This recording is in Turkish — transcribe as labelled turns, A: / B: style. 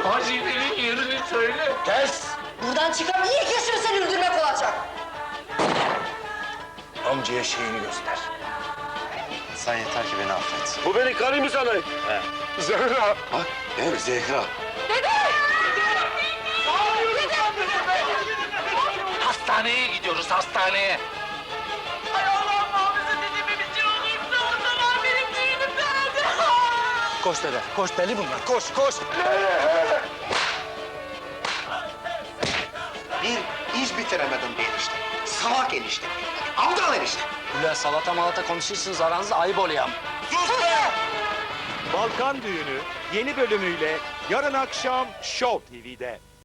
A: hazinenin yerini söyle.
B: Kes!
C: Buradan çıkan ilk yaşım seni öldürmek olacak.
B: Amcaya şeyini göster.
D: Sen yeter ki beni affet.
A: Bu beni karı mı sanır?
D: He.
A: Zehra.
D: Bak, evet Zehra.
A: Hastaneye gidiyoruz, hastaneye.
E: Ay Allah'ım muhafaza dedemin bir şey olursa o zaman benim düğünüm nerede?
B: Koş dede, koş deli bunlar, koş, koş!
D: Bir iş bitiremedim bir enişte. Salak enişte. Aptal enişte.
B: Ulan salata malata konuşuyorsunuz aranızda ayıp oluyor.
F: Balkan Düğünü yeni bölümüyle yarın akşam Show TV'de.